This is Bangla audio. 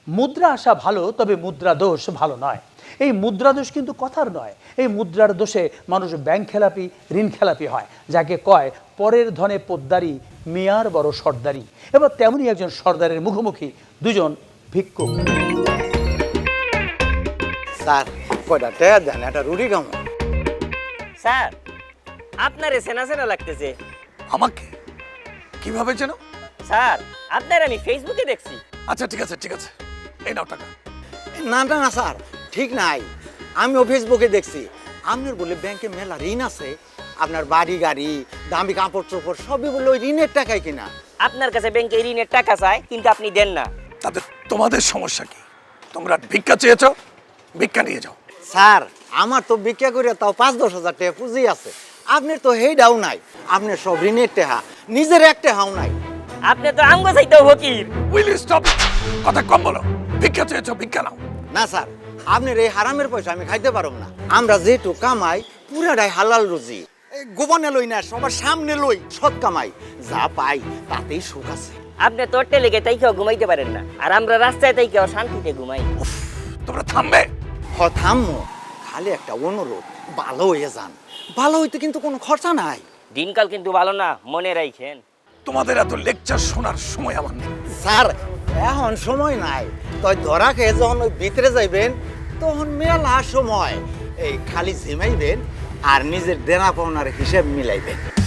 মুদ্রা আসা ভালো, তবে মুদ্রা দোষ ভালো নয়। এই মুদ্রা দোষ কিন্তু কথার নয়। এই মুদ্রার দোষে মানুষ ব্যাংক খেলাপি, ঋণ খেলাপি হয়, যাকে কয় পরের ধনে পোদ্দারি, মিয়ার বড় সর্দারি। এবার তেমনই একজন সর্দারের মুখোমুখি দুজন ভিক্ষুক। স্যার কয়টা টাকা দেন, একটা রুটি খামো। স্যার আপনারে চেনা চেনা লাগতেছে। আমাকে কিভাবে চেনো? স্যার আপনার আমি ফেসবুকে দেখছি। আচ্ছা ঠিক আছে ঠিক আছে, এই নাও টাকা। না না না স্যার, ঠিক নাই। আমিও ফেসবুকে দেখছি আপনার বলে ব্যাংকে মেলা ঋণ আছে। আপনার বাড়ি গাড়ি, দামি কাপড় চোপড় সবই বলে ওই ঋণের টাকায় কিনা। আপনার কাছে ব্যাংকে ঋণের টাকা চায়, কিন্তু আপনি দেন না। তাতে তোমাদের সমস্যা কি? তোমরা ভিক্ষা চেয়েছো, ভিক্ষা নিয়ে যাও। স্যার আমার তো ভিক্ষা করে তাও 5-10 হাজার টাকা পুঁজি আছে। আপনার তো হেইডাও নাই। আপনার সব ঋণের টাকা, নিজের এক টাকাও নাই। আপনি তো আঙ্গ চাইতেও ফকির। Will you stop? কথা কম বলো। ভিক্ষা চেয়েছো, ভিক্ষা নাও। না স্যার, আপনার এই হারামের পয়সা আমি খাইতে পারব না। আমরা যেটু কামাই পুরাটাই হালাল রুজি। এই গোপনে লই না, সবার সামনে লই, সৎ কামাই। যা পাই তাতেই সুখ আছে। আপনি তোর টেলেগে তাইকেও ঘুমাইতে পারেন না, আর আমরা রাস্তায় তাইকেও শান্তিতে ঘুমাই। তোমরা থামবে? থামো, খালি একটা অনুরোধ, ভালো হয়ে যান। ভালো হইতে কিন্তু কোনো খরচা নাই। দিনকাল কিন্তু ভালো না, মনে রাখেন। তোমাদের এত লেকচার শোনার সময় আমার নেই। স্যার এখন সময় নাই। তাই ধরা খেয়ে যখন ওই ভিতরে যাইবেন তখন মেলা সময়। এই খালি ঝিমাইবেন আর নিজের দেনা পাওনার হিসেব মিলাইবেন।